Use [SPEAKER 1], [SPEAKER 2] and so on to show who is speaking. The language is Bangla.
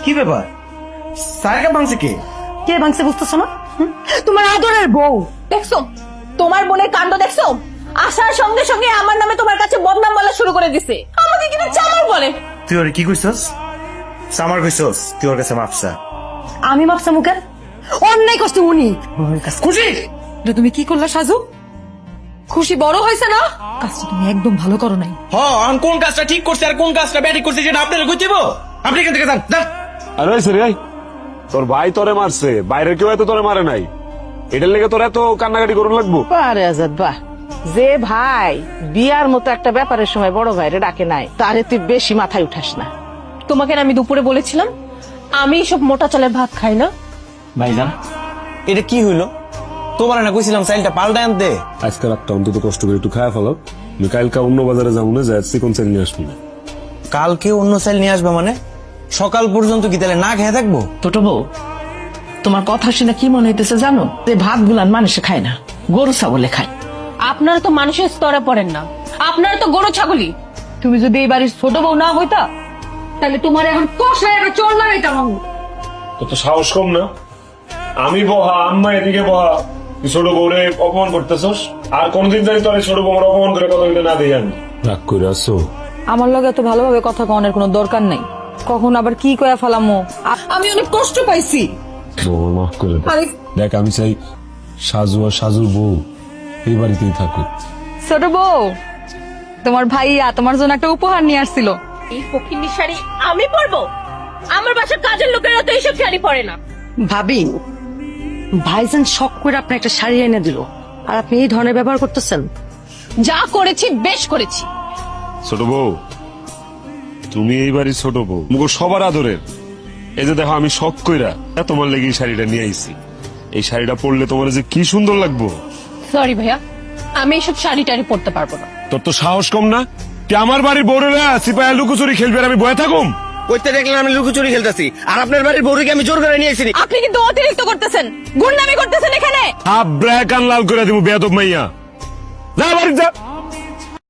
[SPEAKER 1] কি ব্যাপার? স্যারকে ভাঙছে কে?
[SPEAKER 2] কে ভাঙছে বুঝতেছো না? তোমার আদরের বউ।
[SPEAKER 3] দেখছো তোমার বোনের কাণ্ড দেখছো? আসার সঙ্গে সঙ্গে আমার নামে তোমার কাছে বদনাম বলা শুরু করে দিছে, আমাকে কিন্তু চামার বলে।
[SPEAKER 1] তুই ওরে কি কইছস? সামার কইছস? তুই ওর কাছে মাপসা?
[SPEAKER 2] আমি ভাবছি মুখে অন্যায় করছে উনি।
[SPEAKER 1] খুশি?
[SPEAKER 2] এটা তুমি কি করলা সাজু? খুশি বড় হয়েছে না? কাজটা তুমি একদম ভালো করো নাই।
[SPEAKER 1] আমি কোন কাজটা ঠিক করছি আর কোন কাজটা ব্যাঠিক করছি সেটা আপনারা কই দিব? আপনি এখান থেকে যান যান।
[SPEAKER 4] আরে সরি ভাই, তোর ভাই তোরে মারছে, বাইরের কেউ এত তোরে মারে নাই, এটার লেগে তোর এত কান্নাকাটি করুন লাগবো?
[SPEAKER 5] আরে আজাদ বাহ, যে ভাই বিয়ার মতো একটা ব্যাপারের সময় বড় ভাইরে ডাকে নাই, তারে তুই বেশি মাথায় উঠাস না।
[SPEAKER 3] তোমাকে না আমি দুপুরে বলেছিলাম আমি সব মোটা চালের ভাত খাই না।
[SPEAKER 6] ভাইজান এটা কি হইলো? তোমার না কইছিলাম চাইলটা পাল্টায় আনতে।
[SPEAKER 4] আজকে রাতটা অন্তত কষ্ট করে একটু খাওয়া ফেলো, আমি কালকে অন্য বাজারে যাবো না, যাই চিকন চাল নিয়ে আসবো না।
[SPEAKER 6] কালকে অন্য চাইল নিয়ে আসবে মানে? সকাল পর্যন্ত কি তাহলে না খেয়ে থাকবো?
[SPEAKER 5] ছোট বউ, তোমার কথা শুনে কি মনে হইতেছে জানো? যে ভাত গুলান মানুষে খায় না, গরু ছাগলে খায়।
[SPEAKER 3] আপনারা তো মানুষের স্তরে পড়েন না, আপনারা তো গরু ছাগলি।
[SPEAKER 2] তুমি যদি এই বাড়ির ছোট বউ না হইতা তাহলে তোমার এখন কষায় একটা চোর লাগাইতাম আমি।
[SPEAKER 4] তো সাহস কম না? আমি বহা, আম্মা এদিকে বহা, তুই ছোট বউরে অপমান করতেছস, আর কোনদিন জানি তোর ছোট বউর অপমান করে কথা বলতে না দিই আমি। রাগ করে আসো?
[SPEAKER 2] আমার লগে এত ভালোভাবে কথা কনের কোনো দরকার নাই। কখন আবার কি কয়া ফেলামো। আমি অনেক কষ্ট পাইছি।
[SPEAKER 4] বউ মাফ করে দে।
[SPEAKER 2] আরে
[SPEAKER 4] দেখ আমি চাই সাজু আর সাজুর বউ এই বাড়িতেই থাকুক।
[SPEAKER 2] ছোট বউ, তোমার ভাইয়া তোমার জন্য একটা উপহার নিয়ে আসছিল।
[SPEAKER 3] এই ফকিন্নি শাড়ি আমি পরবো? আমার বাসার কাজের লোকেরা তো এইসব শাড়ি পরে না।
[SPEAKER 2] ভাবি, ভাইজান শখ করে আপনি একটা শাড়ি এনে দিল আর আপনি এই ধরনের ব্যবহার করতেছেন।
[SPEAKER 3] যা করেছি বেশ করেছি।
[SPEAKER 4] ছোট বউ, তুমি এই বাড়ির ছোট বউ, মুখ সবার আদরের। এই যে দেখো আমি শখ কইরা তোমার লেগে এই শাড়িটা নিয়ে আইছি, এই শাড়িটা পরলে তোমার যে কি সুন্দর লাগবো।
[SPEAKER 3] সরি ভাইয়া, আমি এইসব শাড়ি টাড়ি পরতে পারবো না।
[SPEAKER 4] তোর তো সাহস কম না? তুই আমার বাড়ির বউরেরা সিপাহী লুকোচুরি খেলবে আর আমি বয়ে থাকুম?
[SPEAKER 1] কইতে দেখলেন আমি লুকোচুরি খেলতেছি আর আপনার বাড়ির বউকে আমি জোর করে নিয়ে আইছি।
[SPEAKER 3] আপনি কিন্তু অতিরিক্ত করতেছেন, গুন্ডামি করতেছেন এখানে।
[SPEAKER 4] হাফ ব্র্যাক আন লাল করে দিব বেয়াদব মাইয়া। যা বাড়ি যা।